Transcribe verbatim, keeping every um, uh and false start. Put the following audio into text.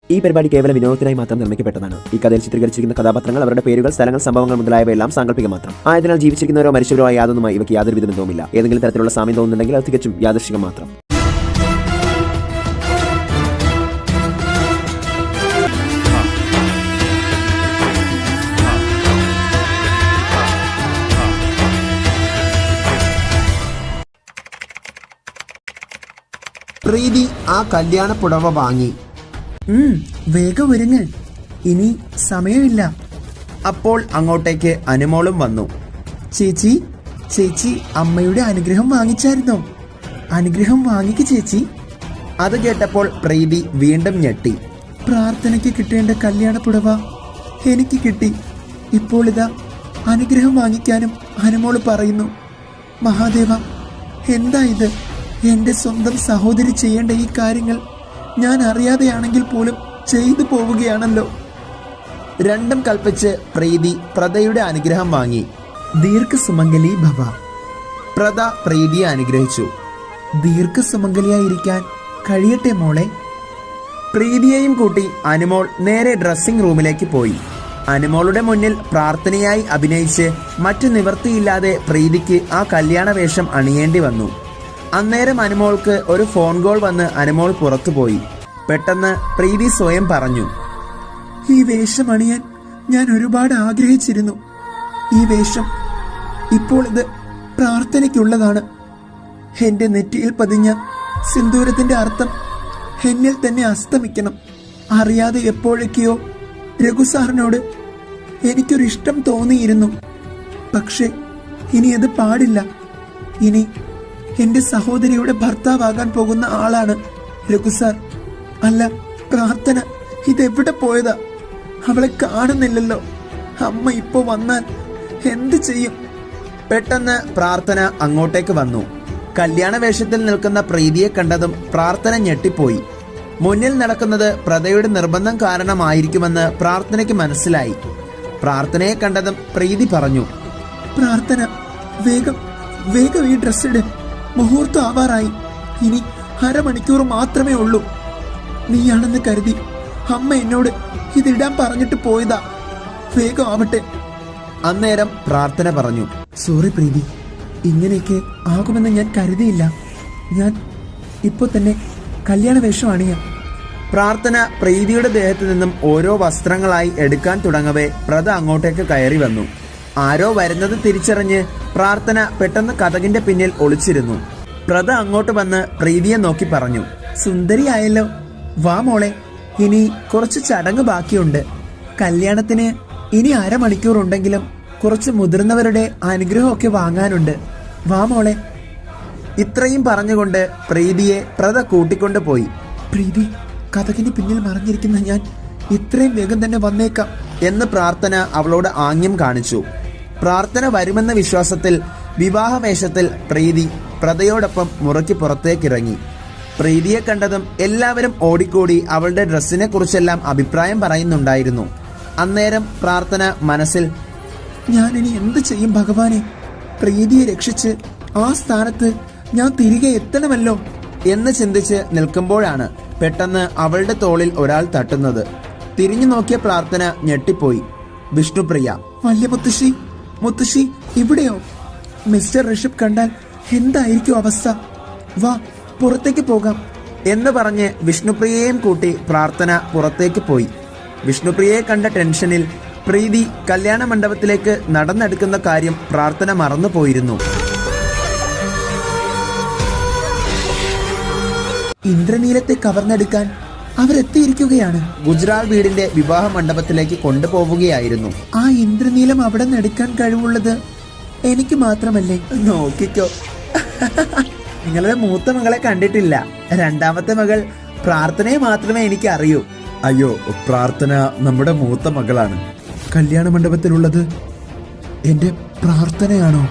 ഈ പരിപാടി കേവല വിനോദത്തിനായി മാത്രം നിർമ്മിക്കപ്പെട്ടതാണ്. ഈ കഥയിൽ ചിത്രീകരിച്ചിരിക്കുന്ന കഥാപാത്രങ്ങൾ, അവരുടെ പേരുകൾ, സ്ഥലങ്ങൾ, സംഭവങ്ങൾ മുതലായവയെല്ലാം സാങ്കല്പിക മാത്രം ആയതിനാൽ ജീവിച്ചിരിക്കുന്നവരോ മരിച്ചവരോ ആയ യാതൊന്നുമായി ഇവയ്ക്ക് യാതൊരു ബന്ധവുമില്ല. ഏതെങ്കിലും തരത്തിലുള്ള സാമ്യം തോന്നുന്നുണ്ടെങ്കിൽ അത് തികച്ചും യാദൃശ്ചികം മാത്രം. പ്രീതി ആ കല്യാണ പുടവ വാങ്ങി. വേഗം ഒരുങ്ങ്, ഇനി സമയമില്ല. അപ്പോൾ അങ്ങോട്ടേക്ക് അനുമോളും വന്നു. ചേച്ചി ചേച്ചി അമ്മയുടെ അനുഗ്രഹം വാങ്ങിച്ചായിരുന്നോ? അനുഗ്രഹം വാങ്ങിക്ക് ചേച്ചി. അത് കേട്ടപ്പോൾ പ്രീതി വീണ്ടും ഞെട്ടി. പ്രാർത്ഥനയ്ക്ക് കിട്ടേണ്ട കല്യാണ പുടവ എനിക്ക് കിട്ടി. ഇപ്പോൾ ഇതാ അനുഗ്രഹം വാങ്ങിക്കാനും അനുമോള് പറയുന്നു. മഹാദേവ, എന്താ ഇത്? എന്റെ സ്വന്തം സഹോദരി ചെയ്യേണ്ട ഈ കാര്യങ്ങൾ ഞാൻ അറിയാതെയാണെങ്കിൽ പോലും ചെയ്തു പോവുകയാണല്ലോ. രണ്ടും കൽപ്പിച്ച് പ്രീതി പ്രദയുടെ അനുഗ്രഹം വാങ്ങി. ദീർഘസുമംഗലി ഭവ. പ്രദ പ്രീതിയെ അനുഗ്രഹിച്ചു. ദീർഘസുമംഗലിയായിരിക്കാൻ കഴിയട്ടെ മോളെ. പ്രീതിയെയും കൂട്ടി അനുമോൾ നേരെ ഡ്രസ്സിംഗ് റൂമിലേക്ക് പോയി. അനുമോളുടെ മുന്നിൽ പ്രാർത്ഥനയായി അഭിനയിച്ച് മറ്റു നിവൃത്തിയില്ലാതെ പ്രീതിക്ക് ആ കല്യാണ വേഷം അണിയേണ്ടി വന്നു. അന്നേരം അനുമോൾക്ക് ഒരു ഫോൺ കോൾ വന്ന് അനുമോൾ പുറത്തുപോയി. പെട്ടെന്ന് പ്രീതി സ്വയം പറഞ്ഞു, ഈ വേഷം അണിയാൻ ഞാൻ ഒരുപാട് ആഗ്രഹിച്ചിരുന്നു. ഈ വേഷം ഇപ്പോൾ ഇത് പ്രാർത്ഥനയ്ക്കുള്ളതാണ്. എന്റെ നെറ്റിയിൽ പതിഞ്ഞ സിന്ദൂരത്തിന്റെ അർത്ഥം എന്നിൽ തന്നെ അസ്തമിക്കണം. അറിയാതെ എപ്പോഴൊക്കെയോ രഘുസാറിനോട് എനിക്കൊരു ഇഷ്ടം തോന്നിയിരുന്നു. പക്ഷെ ഇനി അത് പാടില്ല. ഇനി എന്റെ സഹോദരിയുടെ ഭർത്താവാകാൻ പോകുന്ന ആളാണ് രഘുസാർ. അല്ല, പ്രാർത്ഥന ഇതെവിടെ പോയതാ? അവളെ കാണുന്നില്ലല്ലോ. അമ്മ ഇപ്പോ വന്നാൽ എന്ത് ചെയ്യും? പെട്ടെന്ന് പ്രാർത്ഥന അങ്ങോട്ടേക്ക് വന്നു. കല്യാണ വേഷത്തിൽ നിൽക്കുന്ന പ്രീതിയെ കണ്ടതും പ്രാർത്ഥന ഞെട്ടിപ്പോയി. മുന്നിൽ നടക്കുന്നത് പ്രദയുടെ നിർബന്ധം കാരണമായിരിക്കുമെന്ന് പ്രാർത്ഥനയ്ക്ക് മനസ്സിലായി. പ്രാർത്ഥനയെ കണ്ടതും പ്രീതി പറഞ്ഞു, പ്രാർത്ഥന, വേഗം വേഗം ഈ ഡ്രസ് ഇട്. മുഹൂർത്തം ആവാറായി. ഇനി അരമണിക്കൂർ മാത്രമേ ഉള്ളൂ. നീയാണെന്ന് കരുതി അമ്മ എന്നോട് ഇതിടാൻ പറഞ്ഞിട്ട് പോയതാ. വേഗം ആവട്ടെ. അന്നേരം പ്രാർത്ഥന പറഞ്ഞു, സോറി പ്രീതി, ഇങ്ങനെയൊക്കെ ആകുമെന്ന് ഞാൻ കരുതിയില്ല. ഞാൻ ഇപ്പൊ തന്നെ കല്യാണ വേഷം അണിയാം. പ്രാർത്ഥന പ്രീതിയുടെ ദേഹത്തു നിന്നും ഓരോ വസ്ത്രങ്ങളായി എടുക്കാൻ തുടങ്ങവേ പ്രദ അങ്ങോട്ടേക്ക് കയറി വന്നു. ആരോ വരുന്നത് തിരിച്ചറിഞ്ഞ് പ്രാർത്ഥന പെട്ടെന്ന് കതകിന്റെ പിന്നിൽ ഒളിച്ചിരുന്നു. പ്രദ അങ്ങോട്ട് വന്ന് പ്രീതിയെ നോക്കി പറഞ്ഞു, സുന്ദരിയായല്ലോ, വാ മോളെ. ഇനി കുറച്ച് ചടങ്ങ് ബാക്കിയുണ്ട്. കല്യാണത്തിന് ഇനി അരമണിക്കൂർ ഉണ്ടെങ്കിലും കുറച്ച് മുതിർന്നവരുടെ അനുഗ്രഹമൊക്കെ വാങ്ങാനുണ്ട്. വാ മോളെ. ഇത്രയും പറഞ്ഞുകൊണ്ട് പ്രീതിയെ പ്രദ കൂട്ടിക്കൊണ്ടു പോയി. പ്രീതി, കഥകിന് പിന്നിൽ മറഞ്ഞിരിക്കുന്ന ഞാൻ ഇത്രയും വേഗം തന്നെ വന്നേക്കാം എന്ന് പ്രാർത്ഥന അവളോട് ആംഗ്യം കാണിച്ചു. പ്രാർത്ഥന വരുമെന്ന വിശ്വാസത്തിൽ വിവാഹവേഷത്തിൽ പ്രീതി പ്രദയോടൊപ്പം മുറയ്ക്ക് പുറത്തേക്കിറങ്ങി. പ്രീതിയെ കണ്ടതും എല്ലാവരും ഓടിക്കൂടി അവളുടെ ഡ്രസ്സിനെ കുറിച്ചെല്ലാം അഭിപ്രായം പറയുന്നുണ്ടായിരുന്നു. അന്നേരം പ്രാർത്ഥന മനസ്സിൽ, ഞാനിനി എന്ത് ചെയ്യും ഭഗവാനെ? പ്രീതിയെ രക്ഷിച്ച് ആ സ്ഥാനത്ത് ഞാൻ തിരികെ എത്തണമല്ലോ എന്ന് ചിന്തിച്ച് നിൽക്കുമ്പോഴാണ് പെട്ടെന്ന് അവളുടെ തോളിൽ ഒരാൾ തട്ടുന്നത്. തിരിഞ്ഞു നോക്കിയ പ്രാർത്ഥന ഞെട്ടിപ്പോയി. വിഷ്ണുപ്രിയ. വല്യ മുത്തശ്ശി, മുത്തശ്ശി ഇവിടെയോ? മിസ്റ്റർ ഋഷഭ് കണ്ടാൽ എന്തായിരിക്കും അവസ്ഥ? വാ, പുറത്തേക്ക് പോകാം എന്ന് പറഞ്ഞ് വിഷ്ണുപ്രിയയെയും കൂട്ടി പ്രാർത്ഥന പുറത്തേക്ക് പോയി. വിഷ്ണുപ്രിയയെ കണ്ട ടെൻഷനിൽ പ്രീതി കല്യാണ മണ്ഡപത്തിലേക്ക് നടന്നെടുക്കുന്ന കാര്യം പ്രാർത്ഥന മറന്നുപോയിരുന്നു. ഇന്ദ്രനീലത്തെ കവർന്നെടുക്കാൻ അവരെത്തിയിരിക്കുകയാണ്. ഗുജറാൾ വീടിന്റെ വിവാഹ മണ്ഡപത്തിലേക്ക് കൊണ്ടുപോവുകയായിരുന്നു. ആ ഇന്ദ്രനീലം അവിടെ എടുക്കാൻ കഴിവുള്ളത് എനിക്ക് മാത്രമല്ലേ? നോക്കിക്കോ, നിങ്ങളുടെ മൂത്ത മകളെ കണ്ടിട്ടില്ല. രണ്ടാമത്തെ മകൾ പ്രാർത്ഥനയെ മാത്രമേ എനിക്ക് അറിയൂ. അയ്യോ, പ്രാർത്ഥന നമ്മുടെ മൂത്ത മകളാണ്. കല്യാണ മണ്ഡപത്തിലുള്ളത് എന്റെ പ്രാർത്ഥനയാണോ?